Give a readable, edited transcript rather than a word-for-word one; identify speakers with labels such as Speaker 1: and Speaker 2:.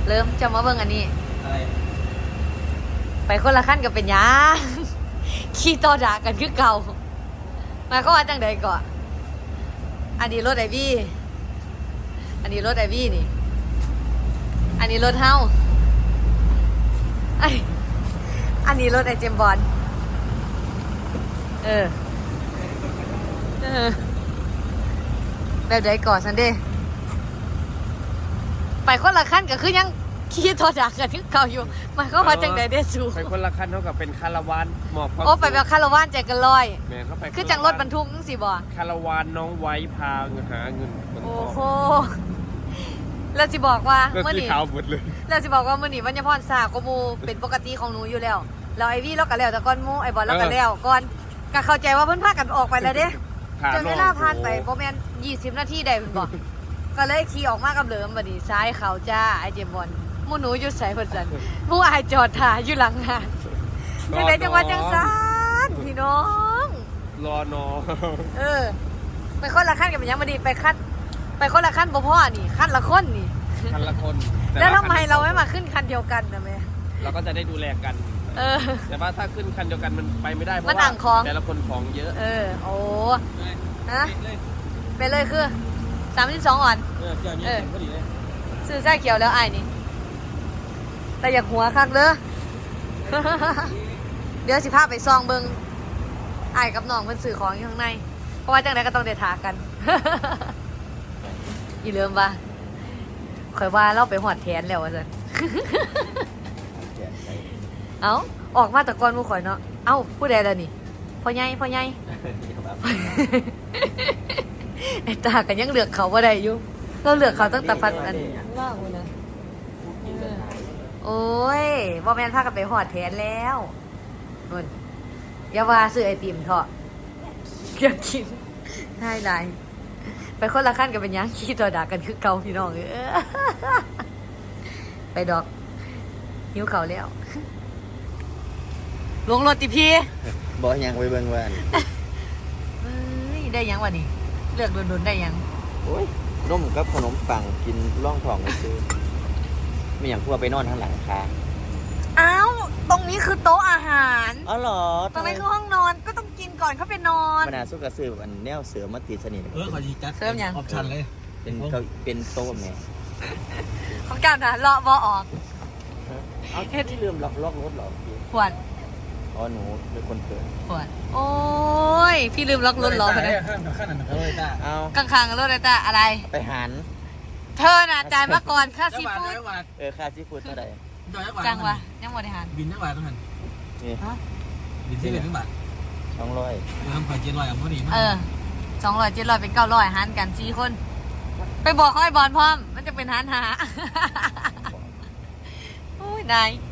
Speaker 1: เริ่มจะมาเบิ่งอันนี้
Speaker 2: อะไร
Speaker 1: ไปคนละขั้นกับเป็นยาขี่ต่อด่ากันคือเก่ามาเขาว่าจังใดก่อนอันนี้รถไอวี่อันนี้รถไอวี่นี่อันนี้รถเฮาอันนี้รถไอเจมบอลแบบใดก่อนซันเดย์ไปคนละขั้นก็คือยังขี่ต่อด่ากันคือเก่าอยู่มาเขาว่าจังใดเดซู
Speaker 2: ไปคนละคันเท่ากับเป็นคาราวานหมอบ
Speaker 1: โอ้ไปแบบคาราวานใจกันลอย
Speaker 2: แม่เขาไป
Speaker 1: คือจังรถบรรทุกสิบ่
Speaker 2: คาราวานน้องไว้พาหาเงิน
Speaker 1: โอ้โหแล้วสิบอกว่า
Speaker 2: เมื่อนี้ขาวหมดเลย
Speaker 1: แล้วสิบอกว่ามื่อนี้วันยพรสาก็มูเป็นปกติของหนูอยู่แล้วแล้วไอวี่เราก็แล้วแต่ก้อนมูไอบอลเราก็แล้วก่อนก็เข้าใจว่าเพิ่นพากันออกไปแล้วเด้จนเวลาผ่านไปประมาณ20 นาทีได้เพิ่นบอกก็เลยขี่ออกมากับเหลิมบัดนี้ซ้ายเขาจ้าไอเจมบอลหมู่หนูอยู่ไสเพิ่นซั่นหมู่อายจอดท่าอยู่หลังงานจังได๋จังว่าจังซั่นพี่น้อง
Speaker 2: รอนอ
Speaker 1: ไปคนละขั้นกันเป็นยังบัดนี้ไปคนละขั้นบ่พอนี่ขั้นละคนนี่
Speaker 2: คันละคน
Speaker 1: แล้วทำไมเราไม่มาขึ้นคันเดียวกันนะแม่
Speaker 2: เราก็จะได้ดูแลกันแต่ว่าถ้าขึ้นคันเดียวกันมันไปไม่ได้เพราะว่าแต่ละคนของเยอะ
Speaker 1: โอ้ฮะไปเลยคือ32อ่อนซื้อไส้เขียวแล้วไอ้นี่แต่อยากหัวคักเด้อเดี๋ยวสิพาไปซองเบิงไอ้กับน้องเพิ่นซื้อของอยู่ข้างในเพราะว่าจังไดก็ต้องได้ทากันอีเริ่มว่าข่อยว่าเราไปหอดแทนแล้วว่าซั่นเอ้าออกมาตะกอนหมู่ข่อยเนาะเอ้าผู้ใดล่ะนี่พ่อใหญ่ไอ้ตาก็ยังเลือกเขาบ่ได้อยู่เราเลือกเขาตั้งแต่ฟันอันว่างนะโอ้ยบ่แม่นพากันไปหอดแทนแล้วนู่นอย่าว่าซื้อไอติมเถอะอยากกินได้หลายไปคนละขั้นกันเป็นยังขี้ตัวด่ากันคือเก่าพี่น้องไปดอกหิวเขาแล้วลงรถติพี่
Speaker 3: บอกยังไปเบิ่งว่า
Speaker 1: ได้ยังวะนี่เลือกโดนได้ยัง
Speaker 3: โอ้ยร่มกับขนมปังกินร่องทองซื้อมีอย่างพวกไปนอนข้างหลังคา
Speaker 1: อ้าวตรงนี้คือโต๊ะอาหาร
Speaker 3: อ๋อเหรอ
Speaker 1: ตรงนี้คือห้องนอนก็ต้องกินก่อนเขาไปนอน
Speaker 3: บรรดาสู้กระสือแบบแนวเสือมาตีสนิท
Speaker 2: ขอดีจัด
Speaker 1: เสริมยัง
Speaker 2: ออปชั่นเลย
Speaker 3: เป็นโต๊ะแม่
Speaker 1: ของการนะเลาะบอออก
Speaker 3: เอาที่ลืมล็อกรถหรอ
Speaker 1: ขวด
Speaker 3: อ๋อหนูเป็นคนเปิด
Speaker 1: ขวดโอ้ยพี่ลืมล็อกรถหรอ
Speaker 2: ข้างนั้นเลยจ้า
Speaker 1: เอาข้างๆรถเลยจ้าอะไร
Speaker 3: ไปหัน
Speaker 1: เธอน่ะจ่ายมาก่อนค่าซีฟู้ด
Speaker 3: ค่าซีฟู้ดเท่าไหร่
Speaker 1: จังวะยังหมดในหัน
Speaker 2: บินทั้งบาททั้งหันนี่บินที่เป็นทั้งบาท
Speaker 3: 200
Speaker 2: ทำไข่700เอาพอดี
Speaker 1: 200 700เป็น900หันกัน4คนไปบอกเขาไอ้บอลพร้อมมันจะเป็นหันหาโอ้ยนาย